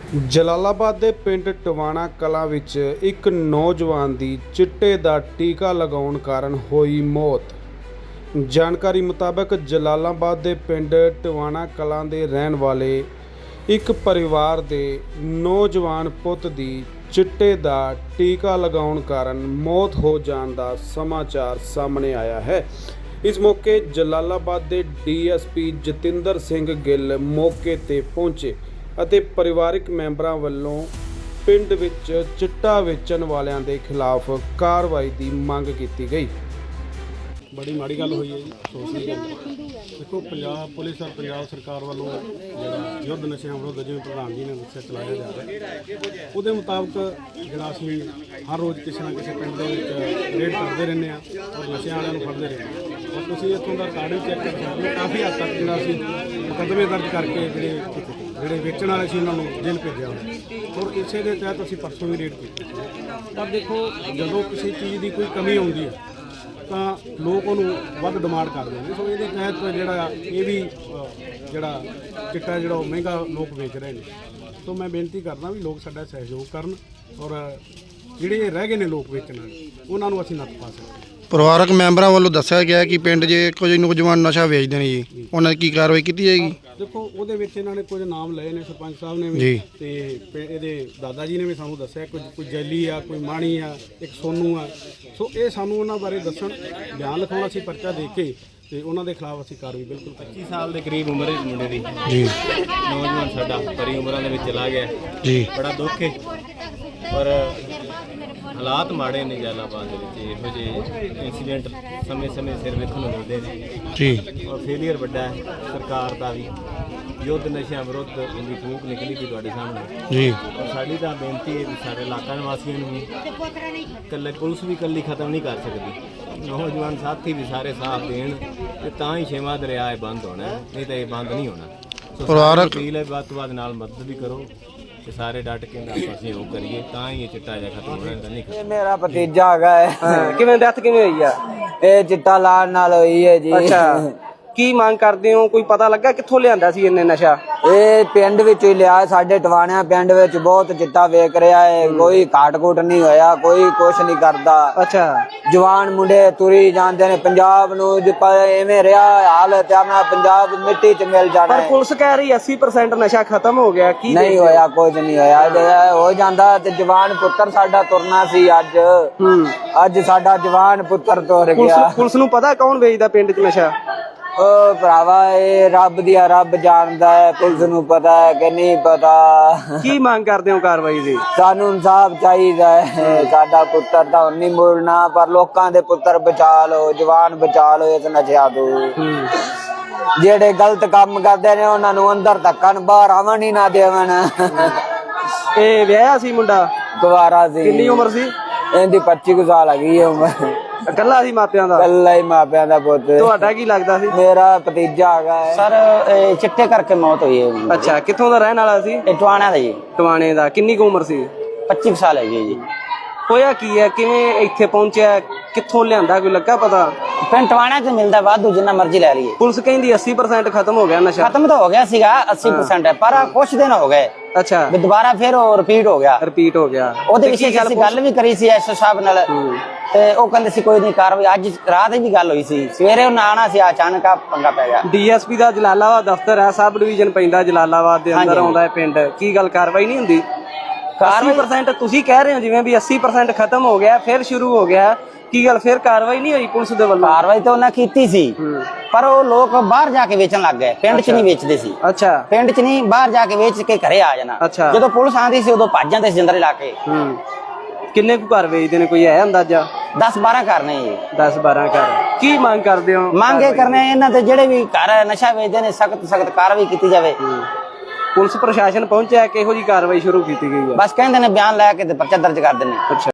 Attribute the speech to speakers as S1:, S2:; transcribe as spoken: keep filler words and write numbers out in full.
S1: ਜਲਾਲਾਬਾਦ ਦੇ ਪਿੰਡ ਟਵਾਣਾ ਕਲਾਂ ਵਿੱਚ ਇੱਕ ਨੌਜਵਾਨ ਦੀ ਚਿੱਟੇ ਦਾ ਟੀਕਾ ਲਗਾਉਣ ਕਾਰਨ ਹੋਈ ਮੌਤ। ਜਾਣਕਾਰੀ ਮੁਤਾਬਕ ਜਲਾਲਾਬਾਦ ਦੇ ਪਿੰਡ ਟਵਾਣਾ ਕਲਾਂ ਦੇ ਰਹਿਣ ਵਾਲੇ ਇੱਕ ਪਰਿਵਾਰ ਦੇ ਨੌਜਵਾਨ ਪੁੱਤ ਦੀ ਚਿੱਟੇ ਦਾ ਟੀਕਾ ਲਗਾਉਣ ਕਾਰਨ ਮੌਤ ਹੋ ਜਾਣ ਦਾ ਸਮਾਚਾਰ ਸਾਹਮਣੇ ਆਇਆ ਹੈ। ਇਸ ਮੌਕੇ ਜਲਾਲਾਬਾਦ ਦੇ D S P Jatinder Singh Gill ਮੌਕੇ ਤੇ ਪਹੁੰਚੇ ਅਤੇ ਪਰਿਵਾਰਕ ਮੈਂਬਰਾਂ ਵੱਲੋਂ ਪਿੰਡ ਵਿੱਚ ਚਿੱਟਾ ਵੇਚਣ ਵਾਲਿਆਂ ਦੇ ਖਿਲਾਫ ਕਾਰਵਾਈ ਦੀ ਮੰਗ ਕੀਤੀ ਗਈ।
S2: बड़ी माड़ी गल हुई है जी, अफसोस की गल। देखो पंजाब पुलिस और पंजाब सरकार वालों जो युद्ध नशे विरुद्ध जिवें प्रधान जी ने दस्सिया चलाया जा रहा है, उसके मुताबिक जो असीं हर रोज़ किसी ना किसी पिंड दे विच रेड करते रहने और नशे वालियां नूं फड़दे रहने और तुसीं इत्थों दा रिकार्ड चैक कर सकते हो। काफ़ी हद तक जो असीं मुकदमे दर्ज करके जिहड़े ਜਿਹੜੇ ਵੇਚਣ ਵਾਲੇ ਸੀ ਉਹਨਾਂ ਨੂੰ ਜੇਲ੍ਹ ਭੇਜਿਆ ਔਰ ਇਸੇ ਦੇ ਤਹਿਤ ਅਸੀਂ ਪਰਸੋਂ ਵੀ ਰੇਡ ਕੀਤੀ। ਪਰ ਦੇਖੋ ਜਦੋਂ ਕਿਸੇ ਚੀਜ਼ ਦੀ ਕੋਈ ਕਮੀ ਆਉਂਦੀ ਹੈ ਤਾਂ ਲੋਕ ਉਹਨੂੰ ਵੱਧ ਡਿਮਾਂਡ ਕਰਦੇ ਨੇ। ਸੋ ਇਹਦੇ ਤਹਿਤ ਜਿਹੜਾ ਇਹ ਵੀ ਜਿਹੜਾ ਚਿੱਟਾ ਜਿਹੜਾ ਉਹ ਮਹਿੰਗਾ ਲੋਕ ਵੇਚ ਰਹੇ ਨੇ। ਸੋ ਮੈਂ ਬੇਨਤੀ ਕਰਦਾ ਵੀ ਲੋਕ ਸਾਡਾ ਸਹਿਯੋਗ ਕਰਨ ਔਰ ਜਿਹੜੇ ਰਹਿ ਗਏ ਨੇ ਲੋਕ ਵੇਚਣ ਵਾਲੇ ਉਹਨਾਂ ਨੂੰ ਅਸੀਂ ਨੱਥ ਪਾ ਸਕਦੇ।
S3: ਪਰਿਵਾਰਕ ਮੈਂਬਰਾਂ ਵੱਲੋਂ ਦੱਸਿਆ ਗਿਆ ਕਿ ਪਿੰਡ 'ਚ ਕੁਝ ਨੌਜਵਾਨ ਨਸ਼ਾ ਵੇਚਦੇ ਨੇ ਜੀ, ਉਹਨਾਂ ਦੀ ਕੀ ਕਾਰਵਾਈ ਕੀਤੀ ਜਾਏਗੀ?
S2: ਦੇਖੋ ਉਹਦੇ ਵਿੱਚ ਇਹਨਾਂ ਨੇ ਕੁਝ ਨਾਮ ਲਏ ਨੇ, ਸਰਪੰਚ ਸਾਹਿਬ ਨੇ ਵੀ ਤੇ ਇਹਦੇ ਦਾਦਾ ਜੀ ਨੇ ਵੀ ਸਾਨੂੰ ਦੱਸਿਆ ਕੁਝ ਕੋਈ ਜੈਲੀ ਆ, ਕੋਈ ਮਾਣੀ ਆ, ਇੱਕ ਸੋਨੂ ਆ। ਸੋ ਇਹ ਸਾਨੂੰ ਉਹਨਾਂ ਬਾਰੇ ਦੱਸਣ, ਬਿਆਨ ਲਿਖਾਉਣਾ ਸੀ ਪਰਚਾ ਦੇ ਕੇ ਤੇ ਉਹਨਾਂ ਦੇ ਖਿਲਾਫ ਅਸੀਂ ਕਾਰਵਾਈ ਬਿਲਕੁਲ
S4: ਪੱਚੀ ਸਾਲ ਦੇ ਕਰੀਬ ਉਮਰ ਹੈ ਮੁੰਡੇ ਦੀ
S3: ਜੀ।
S4: ਨੌਜਵਾਨ ਸਾਡਾ ਬੜੀ ਉਮਰਾਂ ਦੇ ਵਿੱਚ ਚਲਾ ਗਿਆ
S3: ਜੀ।
S4: ਬੜਾ ਦੁੱਖ ਹੈ ਪਰ ਹਾਲਾਤ ਮਾੜੇ ਨੇ ਜਲਾਲਾਬਾਦ ਦੇ ਵਿੱਚ। ਇਹੋ ਜਿਹੇ ਇੰਸੀਡੈਂਟ ਸਮੇਂ ਸਮੇਂ ਸਿਰ ਵੇਖਣ ਨੂੰ ਮਿਲਦੇ ਨੇ
S3: ਜੀ।
S4: ਔਰ ਫੇਲੀਅਰ ਵੱਡਾ ਹੈ ਸਰਕਾਰ ਦਾ ਵੀ। ਯੁੱਧ ਨਸ਼ਿਆਂ ਵਿਰੁੱਧ ਉਹਦੀ ਫੂਕ ਨਿਕਲੀ ਸੀ ਤੁਹਾਡੇ ਸਾਹਮਣੇ
S3: ਜੀ।
S4: ਔਰ ਸਾਡੀ ਤਾਂ ਬੇਨਤੀ ਹੈ ਵੀ ਸਾਰੇ ਇਲਾਕਾ ਨਿਵਾਸੀਆਂ ਨੂੰ ਵੀ ਇਕੱਲੇ ਪੁਲਿਸ ਵੀ ਇਕੱਲੀ ਖਤਮ ਨਹੀਂ ਕਰ ਸਕਦੀ, ਨੌਜਵਾਨ ਸਾਥੀ ਵੀ ਸਾਰੇ ਸਾਥ ਦੇਣ ਤੇ ਤਾਂ ਹੀ ਛੇਵਾਂ ਦਰਿਆ ਇਹ ਬੰਦ ਹੋਣਾ, ਨਹੀਂ ਤਾਂ ਇਹ ਬੰਦ ਨਹੀਂ ਹੋਣਾ। ਸੋ
S3: ਪਰਿਵਾਰਕ
S4: ਅਪੀਲ ਹੈ ਵੱਧ ਤੋਂ ਵੱਧ ਨਾਲ ਮਦਦ ਵੀ ਕਰੋ ਤੇ ਸਾਰੇ ਡਟ ਕੇ ਨਾਲ ਆਪਾਂ ਸਹਿਯੋਗ ਕਰੀਏ ਤਾਂ ਹੀ ਇਹ ਚਿੱਟਾ ਜਿਹਾ ਖਤਮ ਹੋਣਾ, ਤਾਂ ਨਹੀਂ।
S5: ਇਹ ਮੇਰਾ ਭਤੀਜਾ ਹੈਗਾ ਹੈ।
S6: ਕਿਵੇਂ ਡੈਥ ਕਿਵੇਂ ਹੋਈ ਆ?
S5: ਇਹ ਚਿੱਟਾ ਲਾਣ ਨਾਲ ਹੋਈ ਹੈ ਜੀ।
S6: ਅੱਛਾ, ਕੀ ਮੰਗ ਕਰਦੇ ਹੋ? ਕੋਈ ਪਤਾ ਲੱਗਾ ਕਿੱਥੋਂ ਲਿਆਂਦਾ ਸੀ ਇਹਨੇ ਨਸ਼ਾ?
S5: ਇਹ ਪਿੰਡ ਵਿੱਚ ਹੀ ਲਿਆ, ਸਾਡੇ ਟਵਾਣਿਆਂ ਪਿੰਡ ਵਿੱਚ ਬਹੁਤ ਚਿੱਟਾ ਵੇਚ ਰਿਹਾ ਹੈ। ਕੋਈ ਘਾਟ ਘੂਟ ਨਹੀਂ ਹੋਇਆ, ਕੋਈ ਕੁਛ ਨਹੀਂ ਕਰਦਾ।
S6: ਅੱਛਾ,
S5: ਜਵਾਨ ਮੁੰਡੇ ਤੁਰੀ ਜਾਂਦੇ ਨੇ ਪੰਜਾਬ ਨੂੰ, ਐਵੇਂ ਰਿਹਾ ਹਾਲ ਤੇ ਆਪਣਾ ਪੰਜਾਬ ਮਿੱਟੀ 'ਚ ਮਿਲ ਜਾਣਾ।
S6: ਪਰ ਪੁਲਿਸ ਕਹਿ ਰਹੀ ਅੱਸੀ ਪਰਸੈਂਟ ਨਸ਼ਾ ਖਤਮ ਹੋ ਗਿਆ। ਕੀ
S5: ਨਹੀਂ ਹੋਇਆ, ਕੁਝ ਨਹੀਂ ਹੋਇਆ। ਜੇ ਹੋ ਜਾਂਦਾ ਤੇ ਜਵਾਨ ਪੁੱਤਰ ਸਾਡਾ ਤੁਰਨਾ ਸੀ ਅੱਜ। ਅੱਜ ਸਾਡਾ ਜਵਾਨ ਪੁੱਤਰ ਤੁਰ ਗਿਆ।
S6: ਪੁਲਿਸ ਨੂੰ ਪਤਾ ਕੌਣ ਵੇਚਦਾ ਪਿੰਡ 'ਚ ਨਸ਼ਾ?
S5: ਉਹ ਭਰਾਵਾ ਇਹ ਰੱਬ ਦੀ ਆ, ਰੱਬ ਜਾਣਦਾ ਹੈ। ਪੁਲਿਸ ਨੂੰ ਪਤਾ ਹੈ ਕਿ ਨਹੀਂ ਪਤਾ।
S6: ਕੀ ਮੰਗ ਕਰਦੇ ਹੋ ਕਾਰਵਾਈ ਦੀ?
S5: ਸਾਨੂੰ ਇਨਸਾਫ ਚਾਹੀਦਾ ਹੈ। ਸਾਡਾ ਪੁੱਤਰ ਤਾਂ ਨਹੀਂ ਮੁੜਨਾ, ਪਰ ਲੋਕਾਂ ਦੇ ਪੁੱਤਰ ਬਚਾ ਲਓ, ਜਵਾਨ ਬਚਾ ਲਓ ਇਸ ਨਸ਼ਿਆਂ ਤੋਂ। ਜਿਹੜੇ ਗਲਤ ਕੰਮ ਕਰਦੇ ਨੇ ਉਹਨਾਂ ਨੂੰ ਅੰਦਰ ਧੱਕਣ, ਬਾਹਰ ਆਵਣ ਹੀ ਨਾ ਦੇਵਣ।
S6: ਇਹ ਵਿਆਹਿਆ ਸੀ ਮੁੰਡਾ?
S5: ਕੁਵਾਰਾ ਸੀ।
S6: ਕਿੰਨੀ ਉਮਰ ਸੀ
S5: ਇਹਦੀ? ਪੱਚੀ ਕੁ ਸਾਲ ਹੈਗੀ ਹੈ ਉਮਰ।
S6: ਇਕੱਲਾ ਸੀ ਮਾਪਿਆਂ ਦਾ?
S5: ਇਕੱਲਾ ਹੀ ਮਾਪਿਆਂ ਦਾ ਪੁੱਤ।
S6: ਤੁਹਾਡਾ ਕੀ ਲੱਗਦਾ ਸੀ?
S5: ਮੇਰਾ ਭਤੀਜਾ ਹੈਗਾ ਹੈ।
S7: ਸਰ ਚਿੱਟੇ ਕਰਕੇ ਮੌਤ ਹੋਈ ਹੈ।
S6: ਅੱਛਾ, ਕਿੱਥੋਂ ਦਾ ਰਹਿਣ ਵਾਲਾ ਸੀ?
S7: ਇਹ ਟਵਾਣਾ ਦਾ ਜੀ।
S6: ਟਵਾਣੇ ਦਾ। ਕਿੰਨੀ ਕੁ ਉਮਰ ਸੀ?
S7: ਪੱਚੀ ਸਾਲ ਹੈ ਜੀ।
S6: ਹੋਇਆ ਕੀ ਹੈ? ਕਿਵੇਂ ਇੱਥੇ ਪਹੁੰਚਿਆ? ਕਿੱਥੋਂ ਲਿਆਂਦਾ? ਕੋਈ ਲੱਗਾ ਪਤਾ?
S7: ਪਿੰਡ ਟਵਾਣਾ ਚ ਮਿਲਦਾ ਵਾਧੂ, ਜਿੰਨਾ ਮਰਜ਼ੀ ਲੈ ਲਈਏ।
S6: ਪੁਲਿਸ ਕਹਿੰਦੀ ਅੱਸੀ ਪਰਸੈਂਟ ਖਤਮ ਹੋ ਗਿਆ ਨਸ਼ਾ।
S7: ਖਤਮ ਤਾਂ ਹੋ ਗਿਆ ਸੀਗਾ ਅੱਸੀ ਪਰਸੈਂਟ, ਪਰ ਕੁਛ ਦਿਨ ਹੋ ਗਏ।
S6: ਅੱਛਾ,
S7: ਵੀ ਦੁਬਾਰਾ ਫਿਰ ਉਹ ਰਿਪੀਟ ਹੋ ਗਿਆ।
S6: ਰਿਪੀਟ ਹੋ ਗਿਆ।
S7: ਉਹਦੇ ਵਿੱਚ ਅਸੀਂ ਗੱਲ ਵੀ ਕਰੀ ਸੀ ਐਸ ਓ ਸਾਹਿਬ ਨਾਲ ਤੇ ਉਹ ਕਹਿੰਦੇ ਸੀ ਕੋਈ ਨਹੀਂ ਕਾਰਵਾਈ। ਅੱਜ ਰਾਤ ਹੀ ਵੀ ਗੱਲ ਹੋਈ ਸੀ, ਸਵੇਰੇ ਉਹਨਾਂ ਆਣਾ ਸੀ, ਅਚਾਨਕ ਆ ਪੰਗਾ ਪੈ ਗਿਆ।
S6: ਡੀ ਐਸ ਪੀ ਦਾ ਜਲਾਲਾਬਾਦ ਦਫ਼ਤਰ ਹੈ, ਸਬ ਡਿਵੀਜ਼ਨ ਪੈਂਦਾ ਜਲਾਲਾਬਾਦ ਦੇ ਅੰਦਰ ਆਉਂਦਾ ਹੈ ਪਿੰਡ। ਕੀ ਗੱਲ ਕਾਰਵਾਈ ਨਹੀਂ ਹੁੰਦੀ? ਅੱਸੀ ਪਰਸੈਂਟ ਤੁਸੀਂ ਕਹਿ ਰਹੇ ਹੋ ਜਿਵੇਂ ਵੀ ਅੱਸੀ ਪਰਸੈਂਟ ਖਤਮ ਹੋ ਗਿਆ, ਫਿਰ ਸ਼ੁਰੂ ਹੋ ਗਿਆ। ਕੀ ਗੱਲ ਫਿਰ ਕਾਰਵਾਈ ਨਹੀਂ ਹੋਈ ਪੁਲਿਸ ਦੇ ਵੱਲੋਂ?
S7: ਕਾਰਵਾਈ ਤਾਂ ਉਹਨਾਂ ਕੀਤੀ ਸੀ, ਪਰ ਉਹ ਲੋਕ ਬਾਹਰ ਜਾ ਕੇ ਵੇਚਣ ਲੱਗ ਗਏ। ਪਿੰਡ 'ਚ ਨਹੀਂ ਵੇਚਦੇ ਸੀ।
S6: ਅੱਛਾ,
S7: ਪਿੰਡ 'ਚ ਨਹੀਂ, ਬਾਹਰ ਜਾ ਕੇ ਵੇਚ ਕੇ ਘਰੇ ਆ ਜਾਣਾ। ਜਦੋਂ ਪੁਲਿਸ ਆਂਦੀ ਸੀ ਉਦੋਂ ਭੱਜ ਜਾਂਦੇ ਸੀ ਜੰਦਰੇ ਲਾ ਕੇ।
S6: ਕਿੰਨੇ ਕੁ ਘਰ ਵੇਚਦੇ ਨੇ, ਕੋਈ ਹੈ ਅੰਦਾਜ਼ਾ?
S7: ਦਸ ਬਾਰਾਂ ਘਰ ਨੇ ਜੀ।
S6: ਦਸ ਬਾਰਾਂ ਘਰ। ਕੀ ਮੰਗ ਕਰਦੇ ਹੋ?
S7: ਮੰਗ ਇਹ ਕਰਨੇ ਇਹਨਾਂ ਤੇ ਜਿਹੜੇ ਵੀ ਘਰ ਨਸ਼ਾ ਵੇਚਦੇ ਨੇ ਸਖਤ ਸਖਤ ਕਾਰਵਾਈ ਕੀਤੀ ਜਾਵੇ।
S6: ਪੁਲਿਸ ਪ੍ਰਸ਼ਾਸਨ ਪਹੁੰਚਿਆ, ਕਿਹੋ ਜੀ ਕਾਰਵਾਈ ਸ਼ੁਰੂ ਕੀਤੀ ਗਈ ਹੈ?
S7: ਬਸ ਕਹਿੰਦੇ ਨੇ ਬਿਆਨ ਲੈ ਕੇ ਤੇ ਪਰਚਾ ਦਰਜ ਕਰ ਦਿੰਦੇ।
S6: ਅੱਛਾ।